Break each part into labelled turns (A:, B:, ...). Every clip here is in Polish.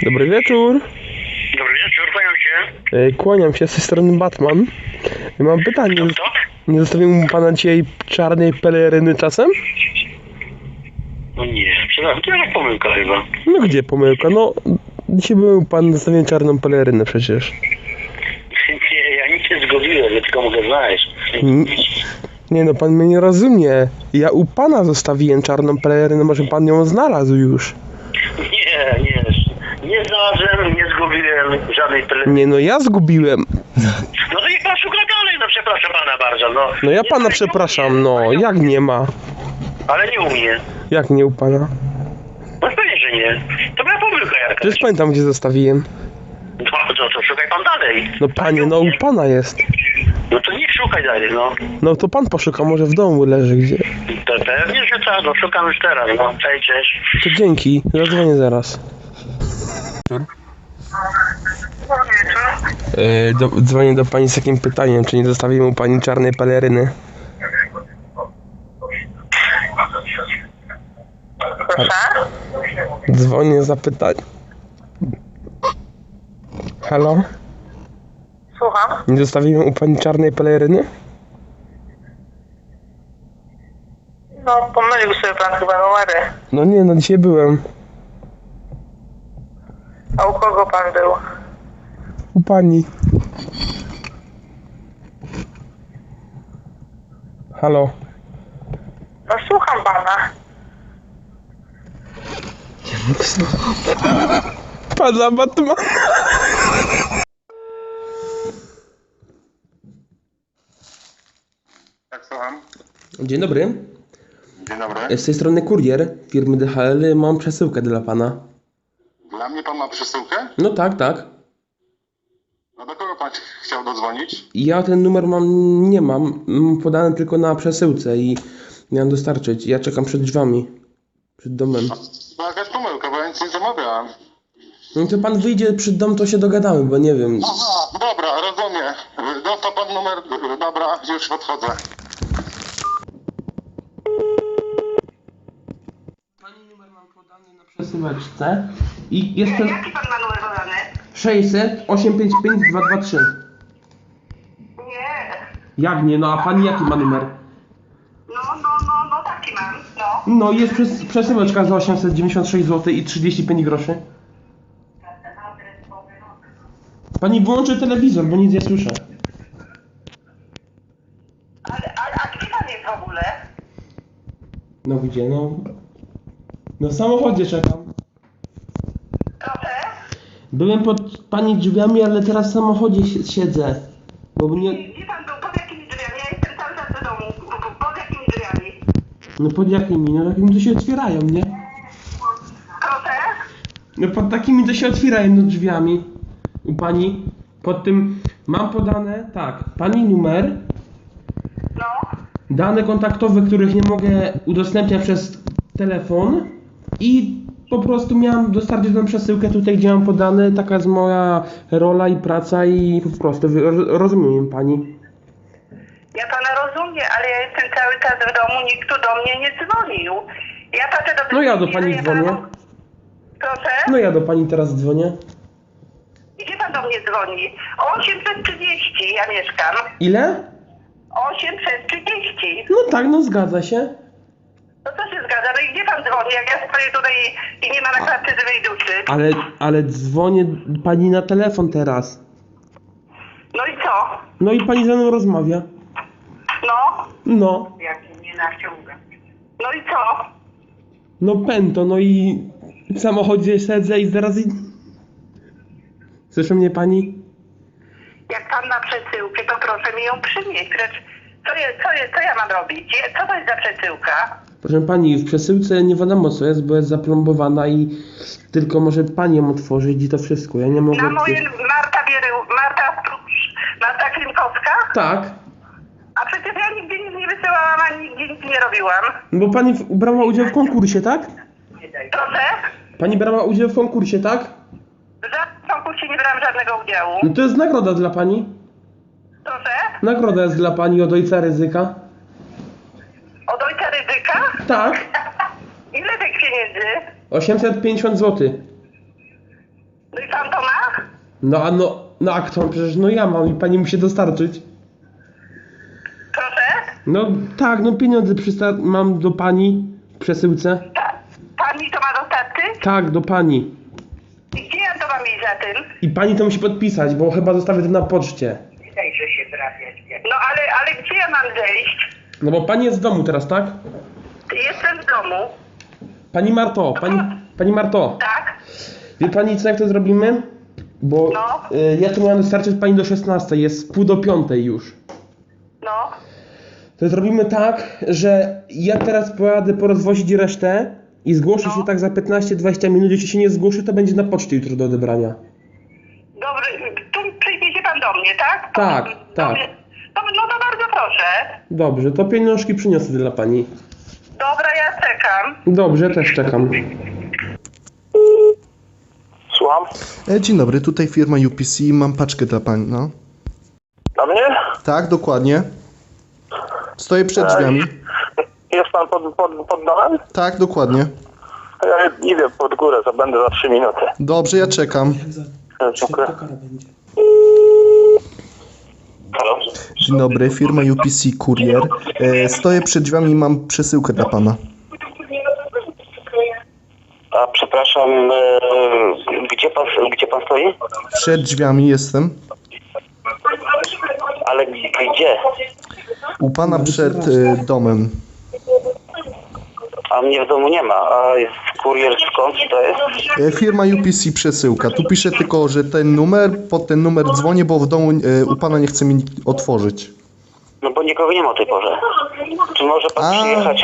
A: Dobry wieczór.
B: Dobry wieczór, kłaniam się.
A: Kłaniam się, z tej strony Batman. Mam pytanie.
B: Kto?
A: Nie zostawił mu pana dzisiaj czarnej peleryny czasem?
B: No nie, przepraszam, to jakaś pomyłka chyba.
A: No gdzie pomyłka? No, dzisiaj był pan zostawił czarną pelerynę przecież.
B: Nie, ja nic nie zgubiłem, ja tylko mogę znaleźć.
A: Nie no, pan mnie nie rozumie. Ja u pana zostawiłem czarną pelerynę, może pan ją znalazł już.
B: Nie znalazłem, nie zgubiłem żadnej peleryny.
A: Nie no, ja zgubiłem.
B: No to niech pan szuka dalej, no przepraszam pana bardzo, no.
A: No ja
B: Nie,
A: pana
B: ale
A: przepraszam,
B: nie umie,
A: no, jak nie ma?
B: Ale nie umie.
A: Jak nie u pana?
B: No pewnie, że nie. To była pomyłka jakaś.
A: Przecież pamiętam, gdzie zostawiłem.
B: No to szukaj pan dalej.
A: No panie, no u pana jest.
B: No to niech szukaj dalej, no.
A: No to pan poszuka, może w domu leży gdzie.
B: To pewnie, że tak, no szukam już teraz, no. Cześć.
A: To dzięki, zadzwonię zaraz. Dzwonię do pani z takim pytaniem, czy nie zostawi mu pani czarnej peleryny?
C: Proszę?
A: Dzwonię za pytanie. Halo?
C: Słucham?
A: Nie zostawiłem u pani czarnej peleryny?
C: No, pomylił sobie pan chyba numery.
A: No nie, no dzisiaj byłem.
C: A u kogo pan był?
A: U pani. Halo?
C: No, słucham pana.
A: Pana Batman.
D: Tak, słucham.
A: Dzień dobry.
D: Dzień dobry.
A: Z tej strony kurier firmy DHL. Mam przesyłkę dla pana.
D: Dla mnie pan ma przesyłkę?
A: No tak.
D: No do kogo pan chciał dodzwonić?
A: Ja ten numer nie mam. Mam podany tylko na przesyłce i miałem dostarczyć. Ja czekam przed drzwiami. Przed domem.
D: To jakaś pomyłka, bo ja nic nie zamawiałem.
A: No to pan wyjdzie przed dom, to się dogadamy, bo nie wiem.
D: Aha, dobra, rozumiem. Dostał pan numer, dobra, już podchodzę.
A: Pani numer mam podany na przesyłeczce i jest ten
C: Jaki pan ma numer podany?
A: 600 855 223.
C: Nie.
A: Jak nie? No a pani jaki ma numer?
C: No, taki mam, no.
A: No jest przesyłeczka za 896 zł i 35 groszy. Pani włączy telewizor, bo nic nie słyszę.
C: A gdzie pan jest w ogóle?
A: No gdzie? No w samochodzie czekam.
C: Proszę?
A: Byłem pod pani drzwiami, ale teraz w samochodzie siedzę. Bo mnie...
C: Gdzie pan był? Pod jakimi drzwiami? Ja jestem cały czas do domu. Pod jakimi drzwiami?
A: No pod jakimi? No takimi to się otwierają, nie?
C: Proszę?
A: No pod takimi to się otwierają no drzwiami. U pani. Pod tym mam podane, tak, pani numer,
C: No.
A: dane kontaktowe, których nie mogę udostępniać przez telefon i po prostu miałem dostarczyć tą przesyłkę tutaj, gdzie mam podane, taka jest moja rola i praca i po prostu, rozumiem pani.
C: Ja pana rozumiem, ale ja jestem cały czas w domu, nikt tu do mnie nie dzwonił. Ja patrzę do...
A: No ja do pani dzwonię.
C: Proszę?
A: No ja do pani teraz dzwonię.
C: Gdzie pan do mnie dzwoni? 830 ja mieszkam.
A: Ile?
C: 830.
A: No tak, no zgadza się.
C: No to się zgadza. No i gdzie pan dzwoni? Jak ja stoję tutaj i nie ma na klatce żywej duszy.
A: Ale dzwonię pani na telefon teraz.
C: No i co?
A: No i pani ze mną rozmawia.
C: No?
A: No.
C: Jak nie naciąga. No i co?
A: No pęto, no i w samochodzie siedzę i zaraz Słyszy mnie pani?
C: Jak pan ma przesyłkę, to proszę mi ją przynieść. Precz, co ja mam robić? Co to jest za przesyłka?
A: Proszę pani, w przesyłce nie wiadomo co jest, bo jest zaplombowana i tylko może pani ją otworzyć i to wszystko. Ja nie mogę...
C: Na moje Marta Klimkowska?
A: Tak,
C: A przecież ja nigdzie nic nie wysyłałam, ani nigdzie nic nie robiłam.
A: bo pani brała udział w konkursie, tak?
C: Proszę?
A: Pani brała udział w konkursie, tak?
C: W żadnym konkursie nie brałam żadnego udziału.
A: No to jest nagroda dla pani.
C: Proszę?
A: Nagroda jest dla pani od ojca Ryzyka.
C: Od ojca Ryzyka?
A: Tak,
C: Ile tych pieniędzy?
A: 850 zł. No a kto? Przecież no ja mam i pani musi dostarczyć.
C: Proszę?
A: No tak, no pieniądze mam do pani w przesyłce.
C: Pan mi to ma dostarczyć?
A: Tak, do pani.
C: I gdzie ja to mam iść za tym?
A: I pani to musi podpisać, bo chyba zostawię to na poczcie.
C: No ale gdzie ja mam zejść?
A: No bo pani jest w domu teraz, tak?
C: Jestem w domu.
A: Pani Marto, pani Marto.
C: Tak?
A: Wie pani co, jak to zrobimy? Bo
C: No.
A: ja to miałem dostarczyć pani do 16, jest 4:30 już.
C: No.
A: To zrobimy tak, że ja teraz pojadę porozwozić resztę i zgłoszę się tak za 15-20 minut. Jeśli się nie zgłoszę, to będzie na poczcie jutro do odebrania.
C: Dobry, tu przyjdzie pan do mnie, tak?
A: Tak,
C: Do
A: tak.
C: mnie. No to bardzo proszę.
A: Dobrze, to pieniążki przyniosę dla pani.
C: Dobra, ja czekam.
A: Dobrze, też czekam.
B: Słucham?
E: Dzień dobry, tutaj firma UPC, mam paczkę dla pani, no.
B: Dla mnie?
E: Tak, dokładnie. Stoję przed drzwiami.
B: Jest pan pod domem?
E: Tak, dokładnie.
B: Ja idę pod górę, to będę za 3 minuty.
E: Dobrze, ja czekam.
B: Dziękuję. Halo?
E: Dzień dobry, firma UPC Kurier. Stoję przed drzwiami i mam przesyłkę dla pana.
B: A przepraszam, gdzie pan stoi?
E: Przed drzwiami jestem.
B: Ale gdzie?
E: U pana przed domem.
B: A mnie w domu nie ma. A jest kurier skąd to jest?
E: Firma UPC przesyłka. Tu piszę tylko, że ten numer, pod ten numer dzwonię, bo w domu u pana nie chce mi otworzyć.
B: No bo nikogo nie ma o tej porze. Czy może pan przyjechać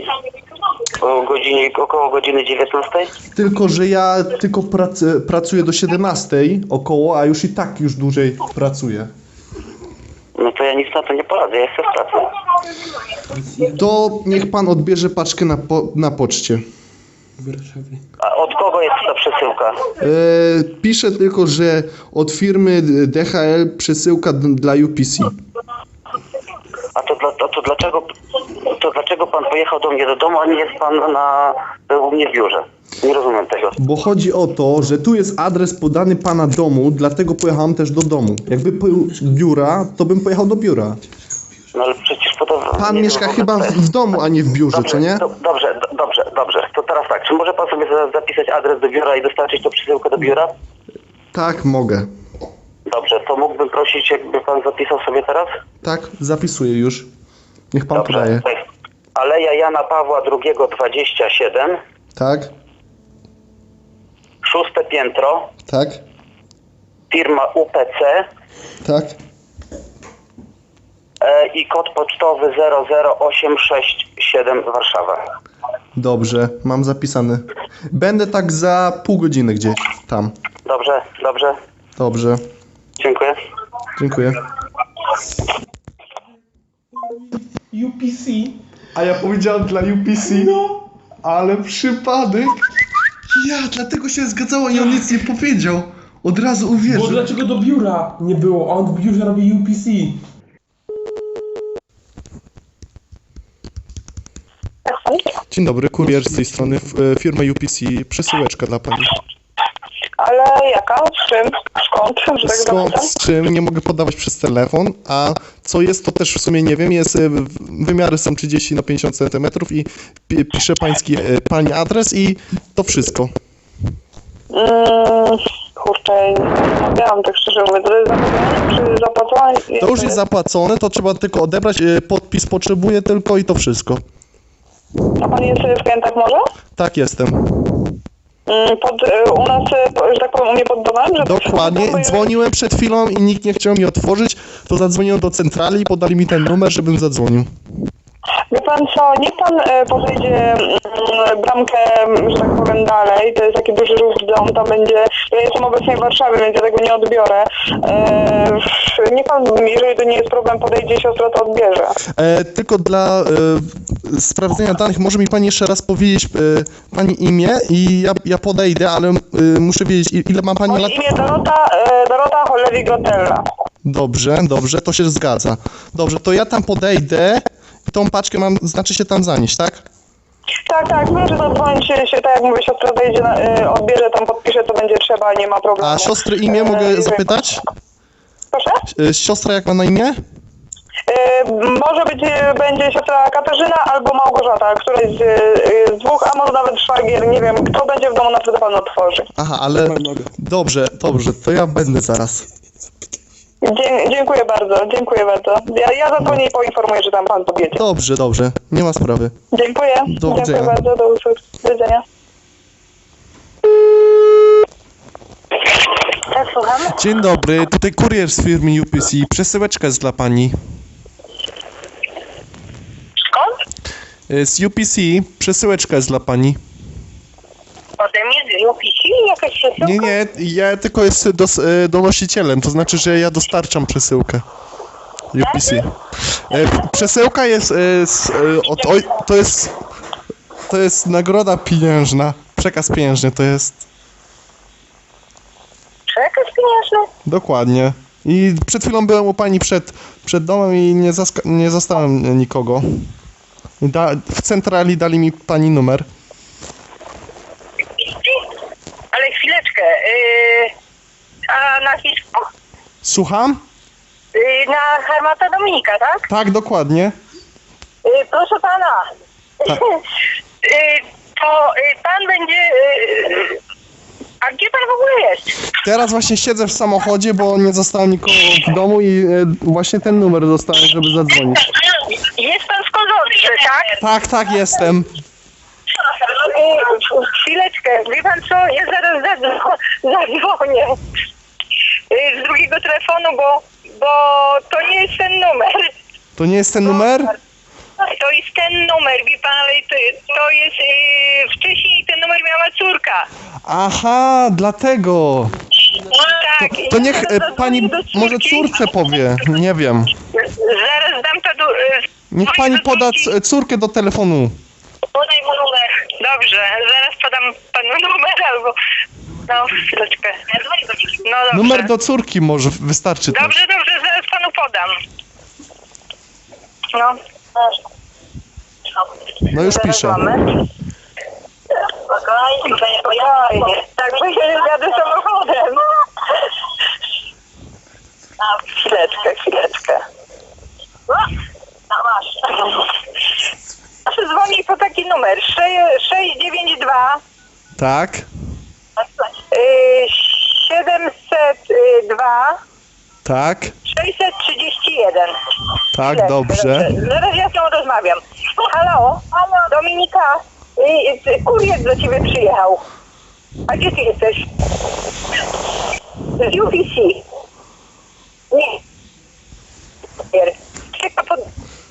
B: około godziny 19?
E: Tylko, że ja tylko pracuję do 17 około, a już i tak już dłużej pracuję.
B: No to ja nic na to nie poradzę, ja jestem w pracy.
E: To niech pan odbierze paczkę na poczcie.
A: W Warszawie.
B: A od kogo jest ta przesyłka?
E: Piszę tylko, że od firmy DHL przesyłka dla UPC.
B: A to dlaczego pan pojechał do mnie do domu, a nie jest pan u mnie w biurze? Nie rozumiem tego.
E: Bo chodzi o to, że tu jest adres podany pana domu, dlatego pojechałem też do domu. Jakby był biura, to bym pojechał do biura.
B: No ale przecież po to...
E: Pan
B: nie
E: mieszka
B: wiem,
E: chyba w domu, a nie w biurze,
B: Dobrze,
E: czy nie?
B: Dobrze. To teraz tak, czy może pan sobie zapisać adres do biura i dostarczyć tą przesyłkę do biura?
E: Tak, mogę.
B: Dobrze, to mógłbym prosić, jakby pan zapisał sobie teraz?
E: Tak, zapisuję już. Niech pan
B: Dobrze.
E: podaje.
B: Tak. Aleja Jana Pawła II 27,
E: Tak,
B: 6 piętro,
E: tak,
B: firma UPC
E: tak.
B: i kod pocztowy 00867 Warszawa.
E: Dobrze, mam zapisany. Będę tak za pół godziny gdzieś tam.
B: Dobrze.
E: Dobrze,
B: Dziękuję.
E: dziękuję.
A: UPC.
E: A ja powiedziałem dla UPC? No. Ale przypadek. Ja, dlatego się zgadzało i on nic nie powiedział. Od razu
A: Bo
E: uwierzył.
A: dlaczego do biura nie było? A on w biurze robi UPC.
E: Dzień dobry, kurier z tej strony, firma UPC, przesyłeczka dla pani.
F: Ale jaka? Z czym? Skąd? Że tak
E: Skąd,
F: zapytam?
E: z czym, nie mogę podawać przez telefon, a co jest, to też w sumie nie wiem, jest, wymiary są 30 na 50 cm i pisze pani adres i to wszystko.
F: Kurczę, nie wiem, tak szczerze mówiąc, to jest zamówienie czy zapłacone?
E: To już jest zapłacone, to trzeba tylko odebrać, podpis potrzebuję tylko i to wszystko.
F: A pan jest w Kętach może?
E: Tak, jestem.
F: U nas, że tak powiem, u mnie pod domem? Że
E: Dokładnie, dzwoniłem przed chwilą i nikt nie chciał mi otworzyć, to zadzwoniłem do centrali i podali mi ten numer, żebym zadzwonił.
F: Wie pan co, niech pan podejdzie bramkę, że tak powiem, dalej, to jest taki duży ruch dom, tam będzie, ja jestem obecnie w Warszawie, więc ja tego nie odbiorę. Niech pan, jeżeli to nie jest problem, podejdzie, siostra to odbierze.
E: Tylko dla sprawdzenia danych, może mi pani jeszcze raz powiedzieć pani imię i ja podejdę, ale muszę wiedzieć, ile ma pani lat?
F: Moje imię Dorota Cholewi-Grotella.
E: Dobrze, to się zgadza. Dobrze, to ja tam podejdę i tą paczkę mam, znaczy się tam zanieść, tak?
F: Tak, proszę zadzwonić się, tak jak mówię, siostra wejdzie, odbierze, tam podpisze, co będzie trzeba, nie ma problemu.
E: A siostry imię mogę zapytać?
F: Proszę?
E: Siostra jak ma na imię?
F: Może być, będzie siostra Katarzyna albo Małgorzata, któraś z dwóch, a może nawet szwagier, nie wiem, kto będzie w domu, na pewno pan otworzy.
E: Aha, ale dobrze, to ja będę zaraz.
F: Dziękuję bardzo. Ja zadzwonię i poinformuję, że tam pan podjedzie.
E: Dobrze, nie ma sprawy.
F: Dziękuję.
E: Do widzenia.
F: Dziękuję bardzo, do widzenia.
C: Tak, słucham?
E: Dzień dobry, tutaj kurier z firmy UPC, przesyłeczka jest dla pani.
C: Skąd?
E: Z UPC, przesyłeczka jest dla pani.
C: Ode mnie z UPC? Jakaś przesyłka?
E: Nie, ja tylko jestem donosicielem, to znaczy, że ja dostarczam przesyłkę. UPC. Przesyłka jest, to jest nagroda pieniężna, przekaz pieniężny to jest.
C: Przekaz pieniężny?
E: Dokładnie. I przed chwilą byłem u pani przed domem i nie zastałem nikogo. W centrali dali mi pani numer.
C: Ale chwileczkę. A nazwisko?
E: Słucham?
C: Na Hermata Dominika, tak?
E: Tak, dokładnie.
C: Proszę pana.
E: Tak.
C: To pan będzie... A gdzie pan w ogóle jest?
E: Teraz właśnie siedzę w samochodzie, bo nie zostałem nikogo w domu i właśnie ten numer dostałem, żeby zadzwonić.
C: Jest pan w Kozowiczu, tak?
E: Tak, jestem.
C: Chwileczkę, wie pan co, ja zaraz zadzwonię z drugiego telefonu, bo to nie jest ten numer.
E: To nie jest ten numer?
C: To jest ten numer, wie pan, ale to jest, wcześniej ten numer miała córka.
E: Aha, dlatego.
C: Tak.
E: To
C: ja
E: niech
C: zaraz
E: pani
C: zadzwonię do córki.
E: może córce powie, nie wiem.
C: Zaraz dam to
E: Niech
C: dzwonię
E: pani
C: do
E: poda
C: córki.
E: córkę do telefonu.
C: Podaj mu numer. Dobrze, zaraz podam panu numer albo... No, chwileczkę. No dobrze.
E: Numer do córki może wystarczy też.
C: Dobrze, zaraz panu podam. No.
E: No już
C: Zaraz
E: piszę.
C: mamy. Spokojnie. Tak, bo ja jadę samochodem. Chwileczkę. Masz. Proszę dzwonić po taki numer 692
E: Tak,
C: 702
E: tak,
C: 631.
E: tak, dobrze.
C: Zaraz ja z nią rozmawiam. Halo, Dominika, kurier do ciebie przyjechał. A gdzie ty jesteś? Z UPC. Nie. Czeka pod...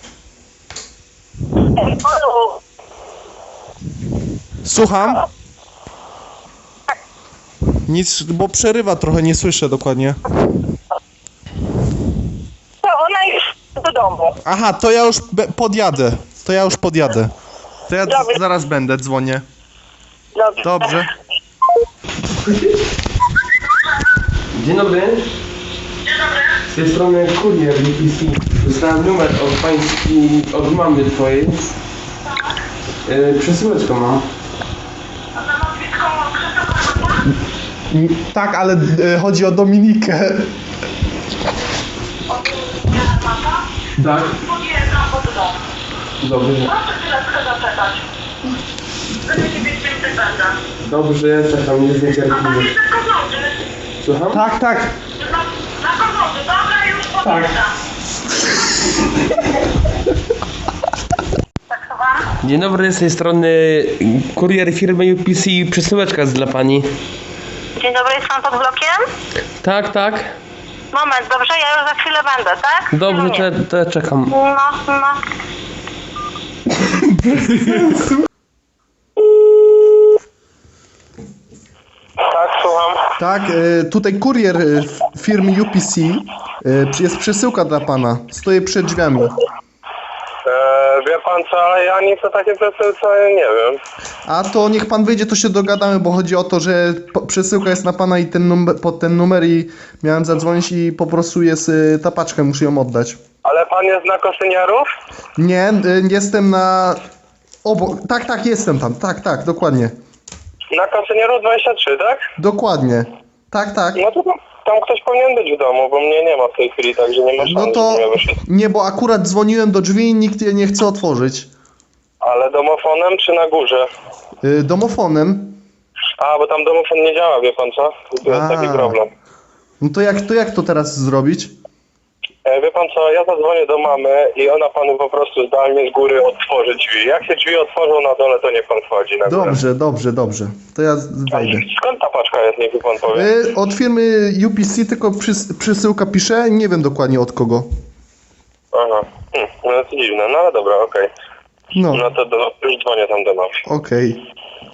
E: Słucham? Nic, bo przerywa trochę, nie słyszę dokładnie.
C: To ona już do domu.
E: Aha, to ja już podjadę. To ja
C: Dobrze.
E: zaraz będę, dzwonię.
C: Dobrze.
E: Dobrze.
A: Dzień dobry. Z tej strony kurier UPC. Dostałem numer od pański, od mamy twojej. Przesyłeczkę mam.
E: Tak, ale chodzi o Dominikę.
A: Tak? Dobrze. Dobrze, czekam, nie zniecierpliwy. Słucham? Tak. Tak. Dzień dobry, z tej strony kurier firmy UPC, przesyłeczka jest dla pani.
C: Dzień dobry, jest pan pod blokiem?
A: Tak.
C: Moment, dobrze, ja już za chwilę będę, tak?
A: Dobrze, to ja czekam.
C: No.
B: Tak, słucham.
E: Tak, tutaj kurier firmy UPC. Jest przesyłka dla pana. Stoję przed drzwiami.
G: Wie pan co, ale ja nic o takiej przesyłce nie wiem.
E: A to niech pan wyjdzie, to się dogadamy, bo chodzi o to, że przesyłka jest na pana i pod ten numer i miałem zadzwonić i po prostu jest ta paczka, muszę ją oddać.
G: Ale pan jest na Koszyniarów?
E: Nie, jestem na Tak, jestem tam. Tak, dokładnie.
G: Na Kasynieru 23, tak?
E: Dokładnie. Tak.
G: No to tam ktoś powinien być w domu, bo mnie nie ma w tej chwili, także nie ma szans,
E: No to
G: żebym ja wyszedł.
E: nie, bo akurat dzwoniłem do drzwi i nikt je nie chce otworzyć.
G: Ale domofonem czy na górze?
E: Domofonem.
G: A, bo tam domofon nie działa, wie pan co? To jest taki problem.
E: No to jak to teraz zrobić?
G: Wie pan co, ja zadzwonię do mamy i ona panu po prostu zdalnie z góry otworzy drzwi. Jak się drzwi otworzą na dole, to niech pan wchodzi na górę.
E: Dobrze. To ja wejdę.
G: Skąd ta paczka jest, niech mi pan powie?
E: Od firmy UPC, tylko przesyłka pisze, nie wiem dokładnie od kogo.
G: Aha, no to dziwne, no ale dobra, okej.
E: No,
G: No to już dzwonię tam do mamy.
E: okej.